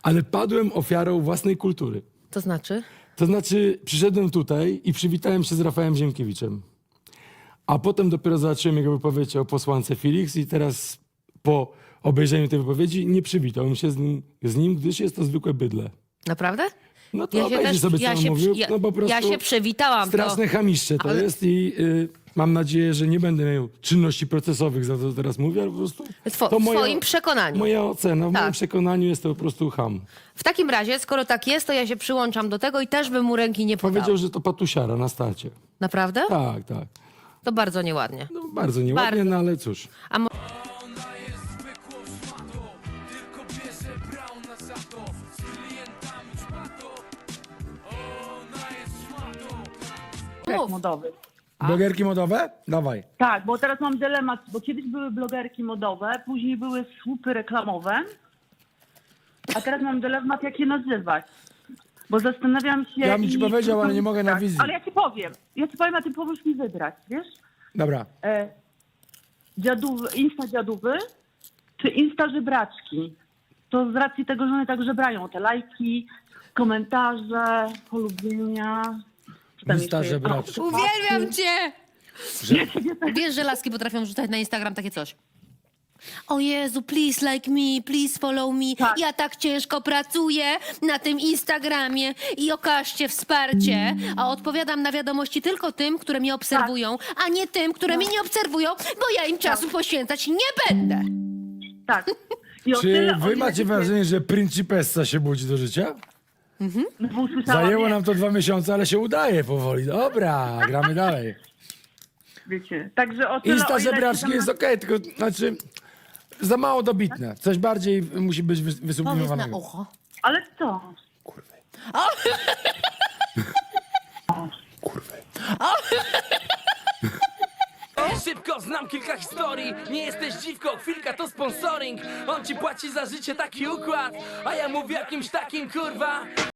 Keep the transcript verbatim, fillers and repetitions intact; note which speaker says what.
Speaker 1: ale padłem ofiarą własnej kultury.
Speaker 2: To znaczy?
Speaker 1: To znaczy, przyszedłem tutaj i przywitałem się z Rafałem Ziemkiewiczem. A potem dopiero zobaczyłem jego wypowiedź o posłance Felix i teraz po obejrzeniu tej wypowiedzi nie przywitałem się z nim, z nim gdyż jest to zwykłe bydlę.
Speaker 2: Naprawdę?
Speaker 1: No to
Speaker 2: Ja się,
Speaker 1: obejrzyj
Speaker 2: też,
Speaker 1: sobie, co
Speaker 2: ja,
Speaker 1: on
Speaker 2: się,
Speaker 1: mówił.
Speaker 2: ja,
Speaker 1: No po prostu
Speaker 2: ja się przewitałam.
Speaker 1: straszne
Speaker 2: To,
Speaker 1: chamiszcze to
Speaker 2: ale-
Speaker 1: jest i y, mam nadzieję, że nie będę miał czynności procesowych za to, co teraz mówię, ale po prostu
Speaker 2: Two,
Speaker 1: to
Speaker 2: w
Speaker 1: moja,
Speaker 2: twoim przekonaniu.
Speaker 1: moja ocena. W
Speaker 2: Tak.
Speaker 1: moim przekonaniu jest to po prostu ham.
Speaker 2: W takim razie, skoro tak jest, to ja się przyłączam do tego i też bym mu ręki nie podał.
Speaker 1: Powiedział, że to patusiara na starcie.
Speaker 2: Naprawdę?
Speaker 1: Tak, tak.
Speaker 2: To bardzo nieładnie.
Speaker 1: No bardzo nieładnie,
Speaker 2: Bardzo.
Speaker 1: no ale cóż.
Speaker 2: A mo-
Speaker 3: Ona jest zwykłą szmatą, tylko bierze brauna za to, z klientami czmatą. Ona jest szmatą.
Speaker 2: Mów.
Speaker 4: modowy.
Speaker 1: Blogerki modowe? Dawaj.
Speaker 4: Tak, bo teraz mam dylemat, bo kiedyś były blogerki modowe, później były słupy reklamowe, a teraz mam dylemat, jak je nazywać. Bo zastanawiam się...
Speaker 1: Ja bym ci
Speaker 4: i-
Speaker 1: powiedział, ale nie mogę na wizji.
Speaker 4: Ale ja ci powiem, ja ci powiem, a ty powiesz mi wybrać, wiesz?
Speaker 1: Dobra.
Speaker 4: E, dziadówy, Insta dziadówy czy Insta żebraczki? To z racji tego, że one tak żebrają, te lajki, komentarze, polubienia... Co tam
Speaker 1: Insta
Speaker 4: jeszcze jest?
Speaker 1: żebraczki.
Speaker 4: O,
Speaker 2: Uwielbiam cię!
Speaker 1: Że...
Speaker 2: Wiesz, że laski potrafią rzucać na Instagram takie coś. O Jezu, please like me, please follow me.
Speaker 4: Tak.
Speaker 2: Ja tak ciężko pracuję na tym Instagramie i okażcie wsparcie. A odpowiadam na wiadomości tylko tym, które mnie obserwują, a nie tym, które mnie nie obserwują, bo ja im czasu poświęcać nie będę.
Speaker 4: Tak. I o
Speaker 1: Czy
Speaker 4: tyle, o
Speaker 1: wy
Speaker 4: ile
Speaker 1: macie
Speaker 4: się-
Speaker 1: wrażenie, że Principessa się budzi do życia?
Speaker 4: No bo usłyszałam,
Speaker 1: Zajęło
Speaker 4: nie,
Speaker 1: nam to dwa miesiące, ale się udaje powoli. Dobra, gramy dalej.
Speaker 4: Wiecie. Także o tyle,
Speaker 1: Insta
Speaker 4: o ile
Speaker 1: żebraczki
Speaker 4: się tam
Speaker 1: jest
Speaker 4: na-
Speaker 1: okej, tylko znaczy za mało dobitne. Coś bardziej musi być wys-
Speaker 2: Powiedz na
Speaker 1: wysublimowanego.
Speaker 2: ucho.
Speaker 4: Ale co?
Speaker 1: Kurwy.
Speaker 3: Szybko, znam kilka historii. Nie jesteś dziwką, chwilka to sponsoring. On ci płaci za życie, taki układ. A ja mówię jakimś takim, kurwa.